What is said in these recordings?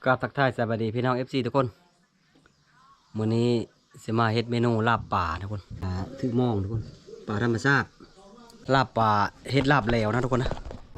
กราบทักทายสวัสดีพี่น้อง FC ทุกคนมื้อนี้สิมาเฮ็ดเมนูลาบป่าทุกคนถือมองทุกคนป่าธรรมชาติลาบป่าเฮ็ดลาบแล้วนะทุกคนนะ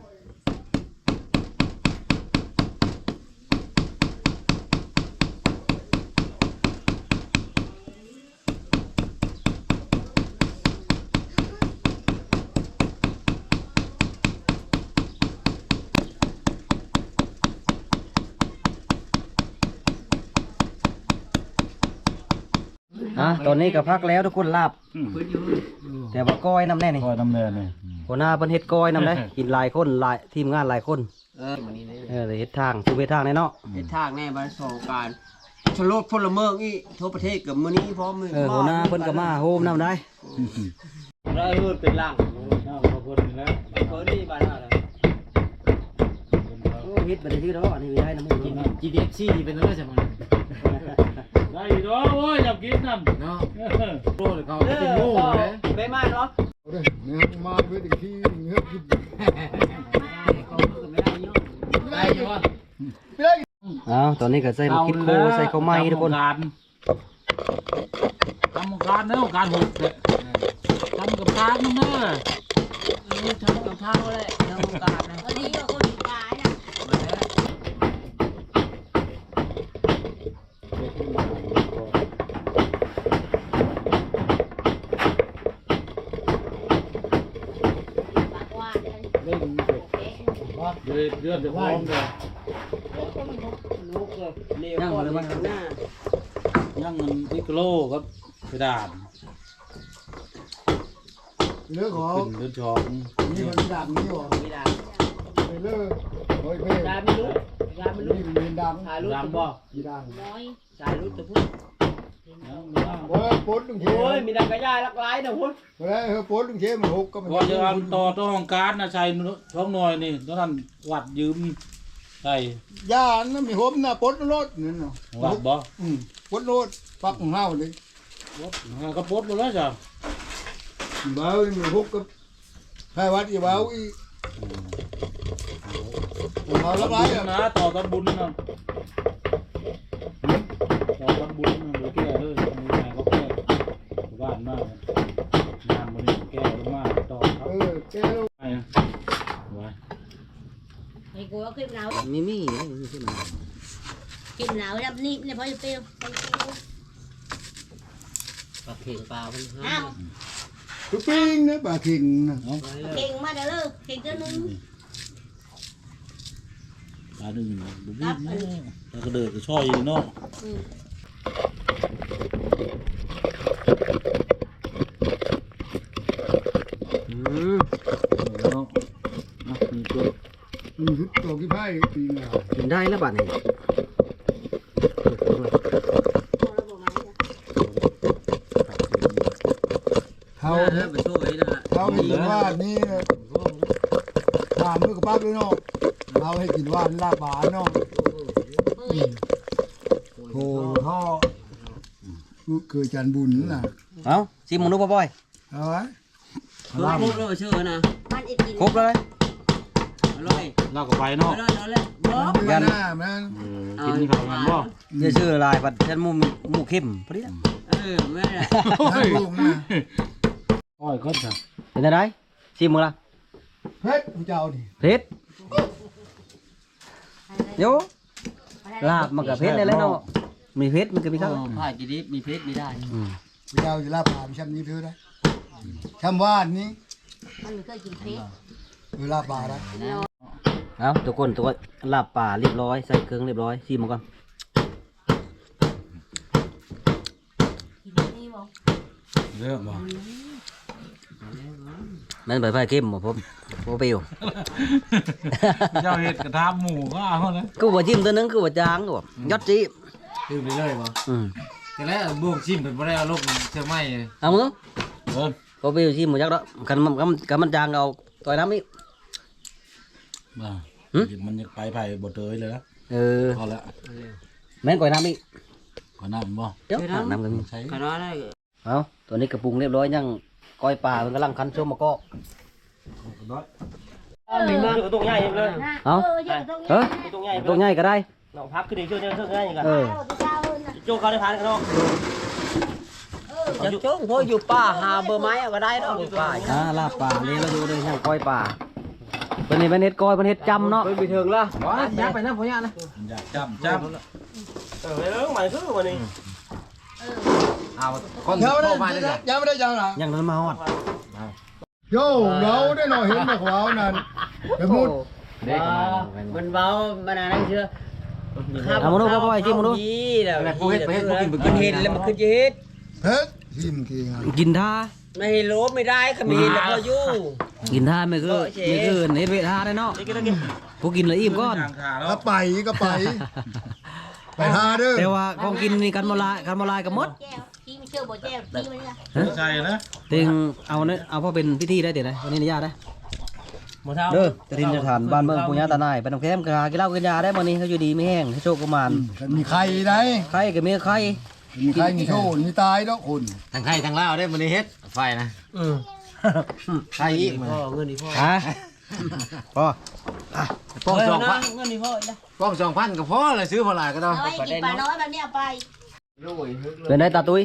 ตอนนี้ก็พักแล้วทุกคนลาบแต่ว่าก้อยน้ำแน่นี่ก้อยน้ำแน่นี่หัวหน้าเพิ่นเฮ็ดก้อยน้ำได้กินหลายคนหลายทีมงานหลายคนเลยเฮ็ดทางคือเฮ็ดทางแน่เนาะเฮ็ดทางแน่บ้านสองการชโลดพลเมืองอีทั่วประเทศกับมื้อนี้พร้อมมือหัวหน้าเพิ่นก็มาโฮมน้ำได้ได้เฮือเป็นล่างขอบคุณแล้วเพิ่นนี่บ้านอะไรเฮ็ดบ่ได้ชื่อดอกอันนี้ไม่ได้น้ำมือ GDFC เป็นอะไรใช่ไหมได้ดอกโอ้ยอยากกินน้ำเนาะโอ้ยเขาเป็นโง่เลยไปมาเนาะเนี่ยมาเพื่อที่เฮือกกินได้ยังวะตอนนี้ก็ใส่มาคิดโคใส่ข้าวไหม้ทุกคนทำการเนาะการหุบทำกับทางนั่นเนาะทำกับข้าวเลยทำการนะวันนี้ก็คนขายนะเดือนจะพร้อมเลยย่างเลยมั้งย่างเงินพิกโลครับกระดาษเลือกของเดือนชองนี่มันดำนี่หรอไม่ได้ไปเลือกโอ้ยไม่ได้ไม่รู้ได้ไม่รู้นี่มันดำถ่ายรูปดำบ่ยีดำน้อยถ่ายรูปจะพูดโอ้ยปนลุงเชโอ้ยมีดังกระยายลักไล่นะพูดไปแล้วเฮ้ยปนลุงเชมันหกก็มันก็จะเอาต่อห้องการนะใช้ช่องหน่อยนี่ตอนนั้นวัดยืมใส่ย่านั่นมีหอมนะปนรถนี่เนาะวัดบ่ปนรถปักของเฮาเลยก็ปดหมดแล้วจ้ะเบามีหกก็ให้วัดอีเบาอีเอาละไรนะต่อตะบุญนะต่อตะบุญนะหรือแก่เลยมีใครก็แก่บ้านมากงานวันนี้แก่ลงมาต่อครับแก้วไว้ไอ้กูเอาคลิปหนาวมีคลิปหนาวรับนี่เนี่ยพอจะเปรี้ยวปลาเข่งปลาเป็นห้าอ้าวตุ๊ปิ้งนะปลาเข่งนะเก่งมาเด้อเลยเก่งเจ้านึงปลาหนึ่งบุบบี้นะแล้วก็เดินก็ช่อยเนาะเนาะนี่ตัวชุดตัวกี่ไพ่ปีงากินได้แล้วบัดนี้เขาไปช่วยนะเขาให้กินว่านี่ถามด้วยกับป้าด้วยเนาะเขาให้กินว่าลาบานเนาะโถท่อเคยจันบุญน่ะชิมมึงดูบ่อยเอาไว้ครบแล้วชื่อนะมันอีกกินครบเลยอร่อยลากไปเนาะเอาเลยบ๊อบยันหน้ามันกินข้าวกันบ่เดี๋ยวชื่อลายบัดฉันหมูเข้มพอดีไม่ได้น้ำลูกนะอ้อยก็จะเป็นอะไรชิมมึงละเพชรผู้เจ้าดิเผ็ดโยลาบมันกับเผ็ดได้แล้วเนาะมีเผ็ดมันก็มีข้าวผ้าจีดีมีเพชรไม่ได้ผู้เจ้าจะลาบผ่านช้ำนี้เพื่อได้ช้ำว่านนี้มันไม่เคยกินเพชรเวลาป่าได้เอาทุกคนตัวลาบป่าเรียบร้อยใส่เครื่องเรียบร้อยชิมมันก่อนกินนี่บ่เริ่มบ่มันใบไผ่เข้มบ่ผมเปรี้ยวเจ้าเห็ดกระทำหมูก็เอาเลยกูว่าจิ้มตัวนึงกูว่าจางกูยอดจีดื่มไปเลยบ่แต่แล้วบวกชิมเป็นบ่ได้เอาลงเชื่อไหมเอามึงก็เปรี้ยวชิมหมดจักแล้วกันมันจางเอาต่อยน้ำอีกมันจะไปไผ่บดเตยเลยนะพอแล้วแม่นก่อยน้ำอีกก่อนน้ำบ่เดี๋ยวน้ำกันใช้ขนาดนั้นเอาตัวนี้กระปุงเรียบร้อยยังก้อยปลามันกำลังคั้นส้มมะกอกมีมากตัวใหญ่เลยเอาตัวใหญ่ก็ได้น้องพับขึ้นอีกช่วยง่ายอย่างกันเออโจ้เขาได้พานกันเนาะจะจ้องพออยู่ป่าหาเบอร์ไม้ก็ได้ดอกอยู่ป่าลาบป่าเลยเราดูเลยแห้งก้อยป่าเป็นนี่เป็นเฮ็ดก้อยเป็นเฮ็ดจำเนาะไปถึงละย่างไปนะพ่อย่านะอยากจำไปเรื่องใหม่คือวันนี้เอาคนยังไม่โทได้รมาเลยจ้ะยังไม่ได้ยังหรอยังนั้นมาฮอดโย่เราได้หน่อยเห็นไหมขวาวนั่นเดี๋ยวมุดมันเบามันอะไรเชื่อเอามาดูพ่อไอ้จิ้มมาดูอะไรผู้เฮ็ดไปเฮ็ดผู้กินไปกิมัน นเห็นแล้วมันคือจะเฮ็ดเฮ็ดทิมกี่งานกินท่าไม่ลบไม่ได้ขมิ้นแล้วก็ยู่กินท่าไม่คือไม่คือเฮ็ดเวทาได้เนาะผู้กินละอิ่มก่อนทางขาแล้ก็วไปก็ไปไปหาเด้อแต่ว่าของกินนี่กันมาลายกับมดแก้วที่ไม่เชื่อบ่แก้วที่มันเนี่ยใช่นะติงเอาเนี่ยเอาพอเป็นพิธีได้เดี๋ยวนะวันนี้นิยาได้หมดเท้าเด้อจะทินจะฐานบ้านเมืองปุญญาตานายไปน้ำแคมกากินเหล้ากินยาได้มื้อนี้เขาอยู่ดีไม่แห้งให้โชคกุมารมีใครได้ไข่ก็มีไข่มีใครมีโชว์มีตายแล้วคนทางไทยทางลาวได้มื้อนี้เฮ็ดไฟนะไทยอีกมื้อเงินนี่พ่อฮะพ่อป้อง2,000 เงินนี่พ่อนะป้อง2,000ก็พอเลยซื้อพอหลายก็ต้องเอาไว้กินปลาน้อยแบบนี้เอาไปเป็นได้ตาตุ้ย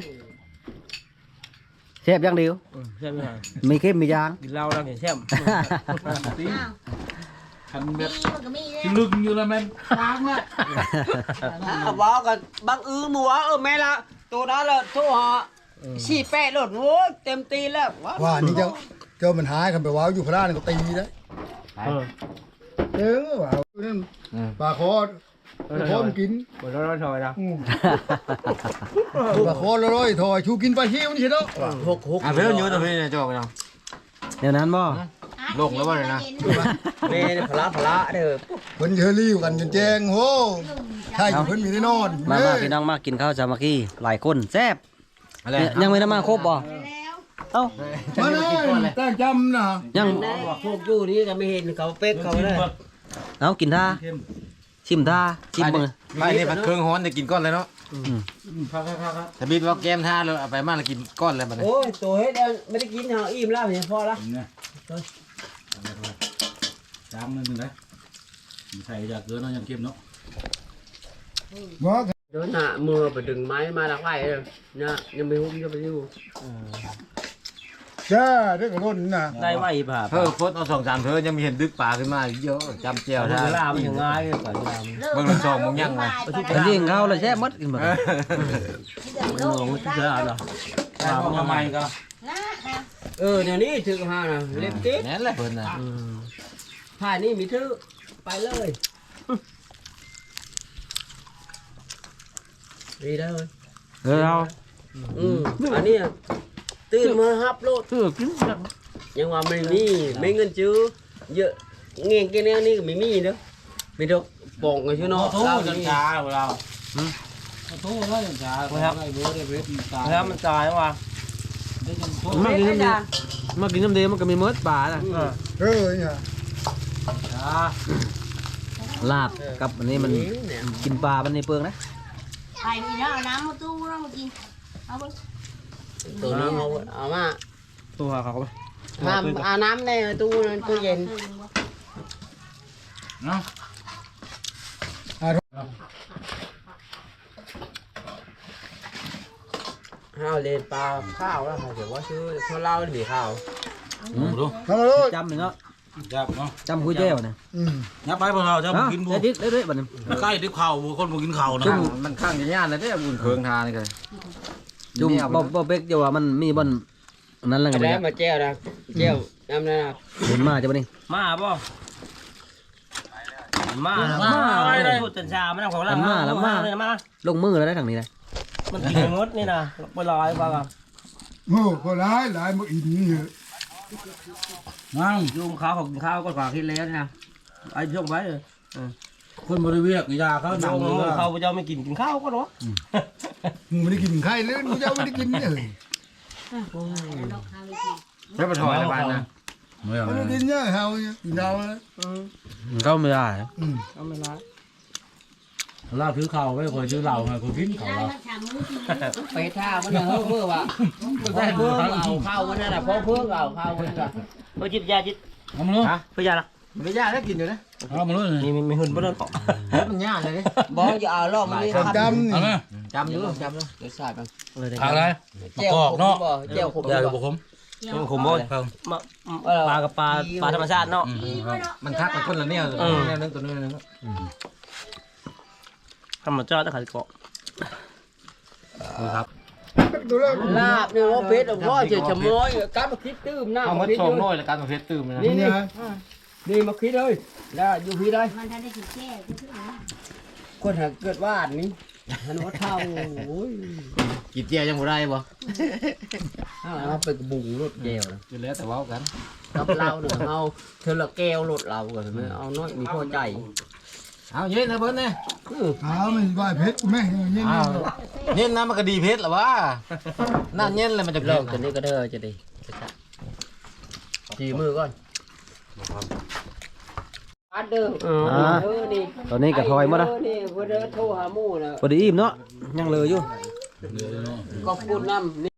เชฟอย่างเดียวใช่ไหมมีเข้มมียางกินเหล้าแล้วแช่มตีอ้าวคันแบมีบมันก็มีที่ลึกอยู่แล้วแม่นค้างละบอกกันบางมัวแม่ละตัวนั้นละโทรหาสี่แปดรถโว้เต็มตีแล้วว่านี่เจ้ามันหายกันไปว้าวอยู่พระราชก็ตีได้เด้อว่านั่นปลาคอคอมกินหมดร้อยถอยนะปลาคอร้อยถอยชูกินปลาเชี่ยวนี่เนาะอ่ะเพิ่นอยู่ตรงนี้นะจอกไปเนาะเดี๋ยวนั้นบ่ลงแล้วบ่เลยนะแม่พละเด้อเพิ่นเฮลี่กันจนแจ้งโหใช่เพิ่นมีได้นอนมาพี่น้องมากินข้าวสามัคคีหลายคนแซ่บอะไรยังไม่ได้มาครบบ่แล้วเอ้ามาเลยตั้งจำนะยังบอกพวกอยู่นี่ก็ไม่เห็นเขาเป๊กเขาเลยเอากินท่าชิมท่าชิมมือไม่นี่ผัดเครื่องฮ้อนจะกินก้อนเลยเนาะพักถ้าบิดว่าแก้มท่าเลยเอาไปมาแล้วกินก้อนเลยบัดนี้โอ้ยตัวเฮ็ดไม่ได้กินเหรออิ่มแล้วเนี่ยพอละเนี่ยจางนึงนะใส่จากเกินเนาะยังเก็บเนาะบอกโดนหน้ามือไปดึงไม้มาลักไว้เลยนะยังไม่หุ้มจะไปอยู่จ้าได้กระโดดน่ะได้ไหวผ่าเพิ่มฟดเอา2-3เพิ่นยังมีเห็นดึกปลาขึ้นมาเยอะจำเจียวท่าเวลามันยังง่ายกว่าเวลาเบิ่งมันส่องมึงยังไงเป็นยิงข้าวเลยแซ่บหมดกินหมดโลกเสือเหรอใส่พวกทำไมก็นะนะเดี๋ยวนี้ถึงห้านะเล็บติ๊กนั่นแหละเพิ่นน่ะผ่านนี่มีถือไปเลยดีได้เลยเอาอันนี้ตื่นมาฮับโลดกินยังว่าไม่มีไม่เงินจื้อเยอะเงี้ยกินนี่ก็ไม่มีเด้อไม่ดอกปองกันชื่อเนาะโทษจังช้าเราโทษได้จังช้าได้เบอร์ได้เบสตายแล้วมันตายว่ะได้จังโทษมากินน้ำเดียวมากินน้ำเดียวมันก็มีมดป่าน่ะเนี่ยช้าลาบกับอันนี้มันกินปลามันในเปลืองนะไอ้มีน้ำเอาน้ำมาตู้น้ำมากินเอาไปตัวนี้เอามาตัวเขาไปห้ามเอาน้ำในตู้เย็นเนาะข้าวเลนปลาข้าวแล้วค่ะเดี๋ยวว่าชื่อข้าวเล่าหรือข้าวดูทำมาเลยจำหนึ่งเนาะจับเนาะจำคุยเจ้าเนี่ยยับไปพวกเราจะกินบัวได้ดิได้ด้วยบัดนี้ใกล้ที่เข่าบัวคนบัวกินเข่านะมันข้างย่านเลยเด้อบุญเคืองทานี่ก็จุ่มบ่เป๊กจะว่ามันมีบ่อนนั้นแล้วไงแล้วมาเจียวนะเจียวน้ำนะเห็นมาจะบ่นี่มาป่ะมาพูดจันชามันของเรามาลงมือแล้วได้ทางนี้นะมันกินมดนี่นะไปลอยป่ะโอ้ก็ร้ายมาอินนี่นั่งยุงข้าวของข้าวก็กว่าคิดแล้วนะไอ้ช่วงไว้เลยคนบริเวณยาเขาหนังเลยเขาจะไม่กินข้าวก็หรอมึงไม่ได้กินไข่เลยมึงจะไม่ได้กินเนี่ยใช้ปลาถอยละบานนะไม่เอาไม่ได้กินเนี่ยเฮาเนี่ยกินเฮาเลยเข้าไม่ได้เอาไม่ร้ายลาบถือเข่าไว้คอยถือเหล่าไงคนกินเข่าได้เรามาถามมึงกินไปท่ามันเฮ้อเพื่อว่ะได้เพื่อเอาข้าวมันนั่นแหละเพราะเพื่อเอาข้าวมันก็เออจิตยาจิตเอามาลูกเพื่อยาละมันไม่ยากได้กินอยู่นะเอามาเลยมีหุ่นบ่เดินเกาะมันยากเลยดิบ่อย่าเอาลอกมันนี่จำนี่เอาไหมจำอยู่จำอยู่เดี๋ยวใส่ไปทางอะไรมะแก้วกอกเนาะแก้วผมยากับบุคคมมันขมบ่ปลากับปลาธรรมชาติเนาะมันคักกับคนละแนวแนวนึงตัวนึงธรรมชาติต้องขัดเกาะครับดูแล้วลาบเนี่ยว่าเพชรพ่อเฉยชะม้อยการมาคิดตื้มหน้าเอามามาคิดชมเลยน้อยแล้วการมาเพชรตื่มนะนี่นี่มาคิดเลยแล้วอยู่พี่ได้มันทันได้สิแก้ก็คือว่าคนหาเกิดว่าอันนี้ฮันว่าเท่าโอ้ยกินเจียวยังบ่ได้บ่เอาไปกระบุงรถแก้วอยู่แล้วแต่ว่ากันกับเราเนี่ยเอาเธอละแก้วรถเราก่อนไหมเอาน้อยมีพอใจเอาเย็นนะเพิ่นเนี่ยเอาไม่ไหวเพชรแม่เงี้ยเอาเย็นนะมันก็ดีเพชรหรอวะน่าเย็นเลยมันจะเลิเลิกกตัวนี้ก็เด้อจะดีจีมือก่อนอัดเด้อเด้อนี่ตอนนี้ก็ถอยหมดละนี่เพื่อเด้อโทรหาหมู่นะพอดีอิ่มเนาะยังเหลืออยู่ขอบคุณน้ำ